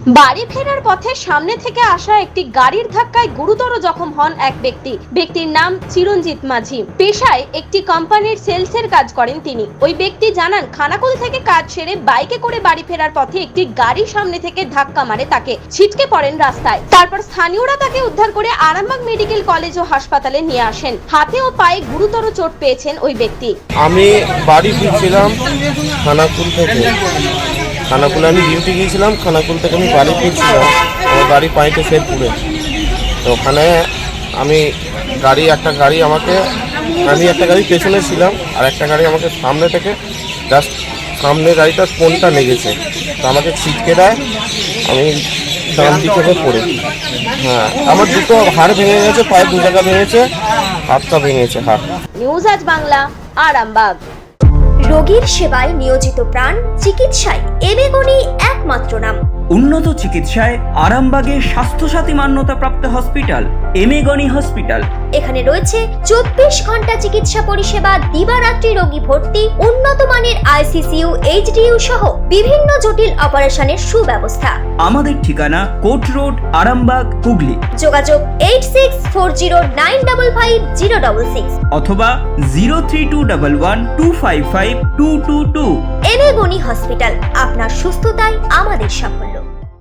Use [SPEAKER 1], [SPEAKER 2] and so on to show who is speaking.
[SPEAKER 1] বাড়ি ফেরার পথে সামনে থেকে আসা একটি গাড়ির ধাক্কায় গুরুতর জখম হন এক ব্যক্তি। ব্যক্তির নাম চিরঞ্জিত মাঝি। পেশায় একটি কোম্পানির সেলসের কাজ করেন তিনি। ওই ব্যক্তি জানান, খানাকুল থেকে কাজ সেরে বাইকে করে বাড়ি ফেরার পথে একটি গাড়ি সামনে থেকে ধাক্কা মারে তাকে। ছিটকে পড়েন রাস্তায়। তারপর স্থানীয়রা তাকে উদ্ধার করে আরামবাগ মেডিকেল কলেজ ও হাসপাতালে নিয়ে আসেন। হাতে ও পায়ে গুরুতর চোট পেয়েছেন ওই ব্যক্তি।
[SPEAKER 2] আমি বাড়ি ফিরছিলাম খানাকুল থেকে। খানাকুলে আমি ডিউটি গিয়েছিলাম, খানাকুল থেকে আমি বাড়ি ফিরছিলাম। আমার বাড়ি পাইতে শেরপুরে। তো ওখানে আমি একটা গাড়ি পেছনে ছিলাম, আর একটা গাড়ি আমাকে সামনে থেকে জাস্ট সামনে গাড়িটার কোনটা লেগেছে, তো আমাকে ছিটকে দেয়। আমি ডান দিকে পড়ে, আমার দুটো হাড় ভেঙে গেছে, পায়ে দু জায়গা ভেঙেছে, হাতটা ভেঙেছে হাত।
[SPEAKER 1] নিউজ আজ বাংলা, আরামবাগ।
[SPEAKER 3] রোগীর সেবায় নিয়োজিত প্রাণ, চিকিৎসায় এবেগুনি একমাত্র নাম।
[SPEAKER 4] উন্নত চিকিৎসায় আরামবাগে স্বাস্থ্যসাথী মান্যতাপ্রাপ্ত হসপিটাল এমেগনি হসপিটাল।
[SPEAKER 3] এখানে রয়েছে 24 ঘন্টা চিকিৎসা পরিষেবা, দিবারাত্রি রোগী ভর্তি, উন্নত মানের আইসিসিইউ, এইচডিইউ সহ বিভিন্ন জটিল অপারেশনের সুব্যবস্থা।
[SPEAKER 4] আমাদের ঠিকানা কোট রোড, আরামবাগ, হুগলি।
[SPEAKER 3] যোগাযোগ 8640955066
[SPEAKER 4] অথবা 03211255222।
[SPEAKER 3] এবেগুনি হসপিটাল, আপনার সুস্থতাই আমাদের সাফল্য।